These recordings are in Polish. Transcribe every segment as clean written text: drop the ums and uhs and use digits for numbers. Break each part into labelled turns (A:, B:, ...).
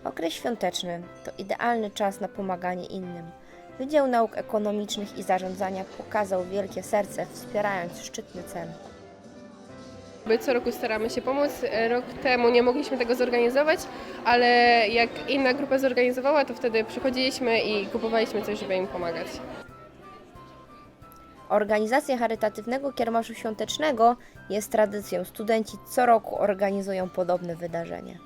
A: Okres świąteczny to idealny czas na pomaganie innym. Wydział Nauk Ekonomicznych i Zarządzania pokazał wielkie serce, wspierając szczytny cel.
B: My co roku staramy się pomóc. Rok temu nie mogliśmy tego zorganizować, ale jak inna grupa zorganizowała, to wtedy przychodziliśmy i kupowaliśmy coś, żeby im pomagać.
A: Organizacja charytatywnego kiermaszu świątecznego jest tradycją. Studenci co roku organizują podobne wydarzenie.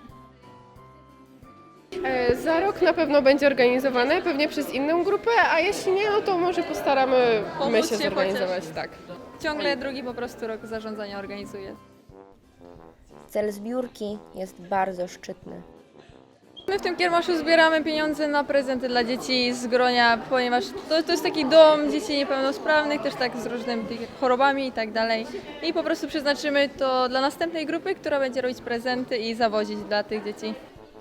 B: Za rok na pewno będzie organizowane, pewnie przez inną grupę, a jeśli nie, no to może postaramy my się zorganizować. Tak.
C: Ciągle drugi po prostu rok zarządzania organizuje.
A: Cel zbiórki jest bardzo szczytny.
C: My w tym kiermaszu zbieramy pieniądze na prezenty dla dzieci z gronia, ponieważ to jest taki dom dzieci niepełnosprawnych, też tak z różnymi chorobami i tak dalej. I po prostu przeznaczymy to dla następnej grupy, która będzie robić prezenty i zawozić dla tych dzieci.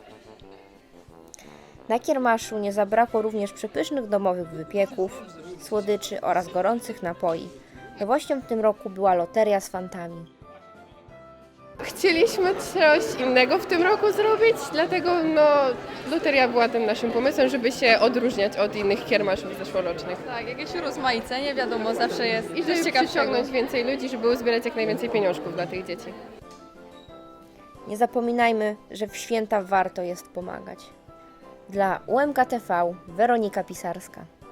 A: Na kiermaszu nie zabrakło również przepysznych domowych wypieków, słodyczy oraz gorących napoi. Nowością w tym roku była loteria z fantami.
B: Chcieliśmy coś innego w tym roku zrobić, dlatego loteria była tym naszym pomysłem, żeby się odróżniać od innych kiermaszów zeszłorocznych.
C: Tak, jakieś urozmaicenie, wiadomo, zawsze jest
B: I
C: coś
B: żeby
C: ciekawszego.
B: przyciągnąć więcej ludzi, żeby uzbierać jak najwięcej pieniążków dla tych dzieci.
A: Nie zapominajmy, że w święta warto jest pomagać. Dla UMKTV Weronika Pisarska.